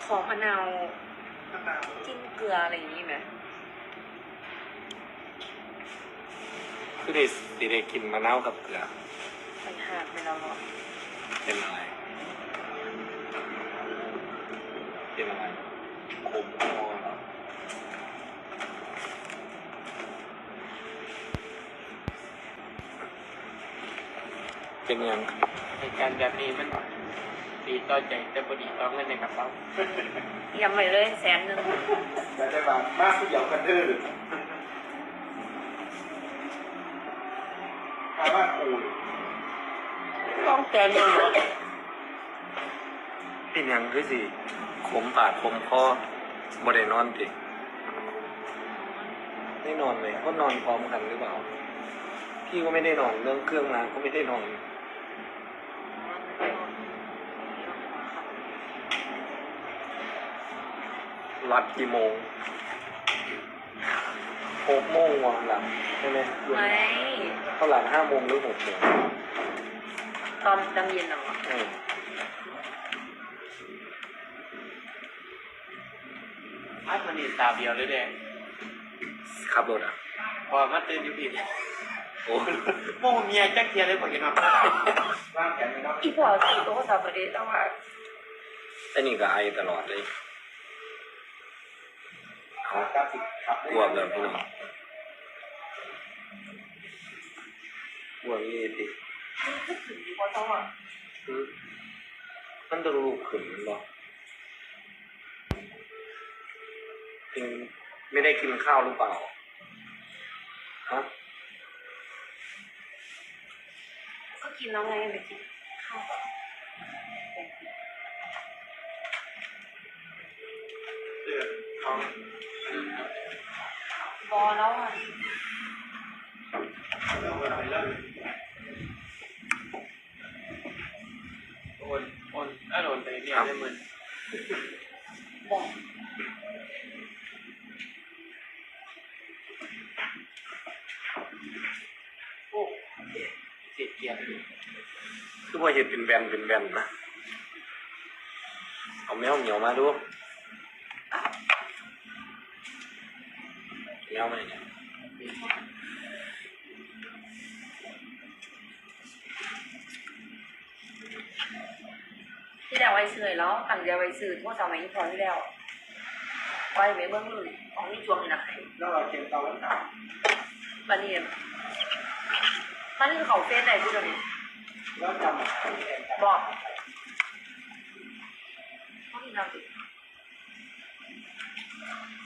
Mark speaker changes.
Speaker 1: มมะนาวจิ้มเกลืออะไรอย่างนี้ไหม
Speaker 2: คือได้สิได้กินมะนาวกับเกลือ
Speaker 1: มันหักไปแล้วหรอ
Speaker 2: เป็นอะไรเป็นอะไรขมคอเหรอเป็นยัง
Speaker 3: เหตุการณ์แบบนี้มันดีต่อใจแต่พอดีต่อเงินในกระเป๋า
Speaker 1: ย้ำไปเลย100,000
Speaker 4: จะได้มามากผู้เดียวกันดื้อถามว่าคู
Speaker 1: ต้องแกนยังไง
Speaker 2: เป็นยังคือสิขมปากขมคอบ่ได้นอนติได้นอนเลยก็นอนพร้อมกันหรือเปล่าพี่ก็ไม่ได้นอนเรื่องเครื่องงานก็ไม่ได้นอนรับกี่โมง6 โมงวันหลังใช่ไหม
Speaker 1: ไม่
Speaker 2: เท่าหลัง5 โมงหรือ6 โมง
Speaker 1: ตอนเย็นเหรอ
Speaker 3: มันนี่ตาเดียวเลยเด้
Speaker 2: ขับรถอ่ะ
Speaker 3: พอมาตื่นอยู่ผิด
Speaker 2: โอ้
Speaker 3: โม่เมียจักเทียเลยพอกินมา
Speaker 4: ร่างแขนไม่ต้อง
Speaker 1: อีพอสีโต๊ะสับปะรดแต่ว่า
Speaker 2: ไอ้นี่ก็ไอตลอดเลย
Speaker 4: เอากราฟิกขับ
Speaker 2: กลัวเลยพี่น้องกลัวนี่ดิ
Speaker 1: ถึงดีกว่าต้องอ่ะ
Speaker 2: มันต้องลูกขึ้นมันบอกจริงไม่ได้กินข้าวหรือเปล่าฮะ
Speaker 1: ก็กินแล้วไงไปกินข้าว
Speaker 4: เขา
Speaker 1: บอแล้วอ่ะ
Speaker 3: โอนโอนไปเนี่ยได้หมื่น
Speaker 1: บอก
Speaker 3: โอ้เสียเกียร์
Speaker 2: คือว่าเห็ดเป็นแบนนะเอาแมวเหนียวมาดูแมวไหมเนี่ย
Speaker 1: ที่แล้วไว้ซื้อแล้วตั้งใจไว้ซื้อพวกสมัยพอที่แล้วไว้ไม่เบื้องลึกของนี่จวงไหน
Speaker 4: แล้วเราเก็บเตาแล้วกัน
Speaker 1: บันนี้มันคือเขาเฟซไหนพูดตรงนี้
Speaker 4: แล้วจำ
Speaker 1: บอกเขาที่เราติด